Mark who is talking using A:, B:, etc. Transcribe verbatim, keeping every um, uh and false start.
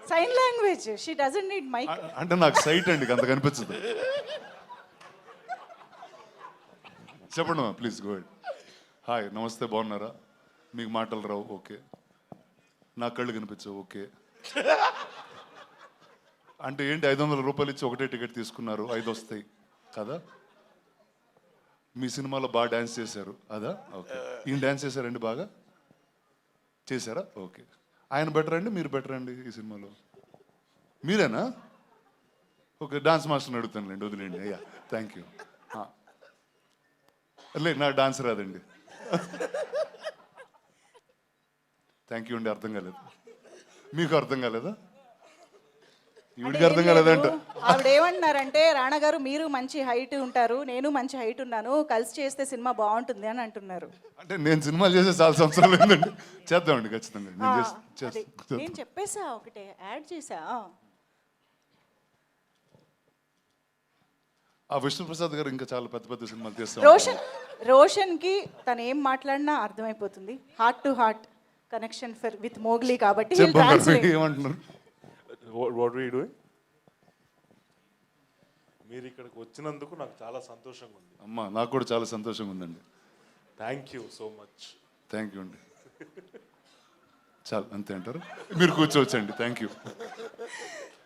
A: Sign language, she doesn't need mike.
B: అంటే నాకు site అండి, అంత కనిపించదు. చెప్పండి మా ప్లీజ్ గో హెడ్. హాయ్ నమస్తే, బాగున్నారా? మీకు మాటలు రావు, ఓకే. నా కళ్ళు కనిపించవు, ఓకే. అంటే ఏంటి, ఐదు వందల రూపాయలు ఇచ్చి ఒకటే టికెట్ తీసుకున్నారు, ఐదు వస్తాయి కదా? మీ సినిమాలో బాగా డ్యాన్స్ చేశారు, అదా? ఓకే. ఈయన డ్యాన్స్ చేశారండి, బాగా చేశారా? ఓకే. ఆయన బెటర్ అండి, మీరు బెటర్ అండి ఈ సినిమాలో? మీరేనా? ఓకే, డాన్స్ మాస్టర్ని అడుగుతానులేండి, వదిలేండి. అయ్యా థ్యాంక్ యూ. లేదు నాకు డాన్స్ రాదండి. థ్యాంక్ యూ అండి, అర్థం కాలేదు. మీకు అర్థం కాలేదా? ఈవిడికి అర్థం కాలేదంట.
A: ఆవిడ ఏమంటున్నారంటే, రాణా గారు మీరు మంచి హైట్ ఉంటారు, నేను మంచి హైట్ ఉన్నాను, కలిసి చేస్తే సినిమా బాగుంటుంది అని అంటున్నారు.
B: అంటే నేను సినిమాలు చేసే చాలా సంవత్సరాలు ఏంటండి, చేద్దామండి ఖచ్చితంగా. నేను చేస్తా-
A: అదే,
B: చేస్తా.
A: నేను చెప్పేసా, ఒకటే యాడ్ చేసా.
B: ఆ విష్ణుప్రసాద్ గారు ఇంకా చాలా పెద్ద పెద్ద సినిమాలు చేస్తాం.
A: రోషన్ రోషన్ కి తను ఏం మాట్లాడినా అర్థమైపోతుంది. Heart to heart connection for with Mowgli కాబట్టి he'll translate.
B: ఏమంటున్నారు?
C: What we doing? మీరు ఇక్కడికి వచ్చినందుకు నాకు చాలా సంతోషంగా ఉంది.
B: అమ్మా నాకు కూడా చాలా సంతోషంగా ఉందండి.
C: Thank you so much.
B: Thank you అండి. చాలు అంతే అంటారు, మీరు కూర్చోవచ్చండి. Thank you.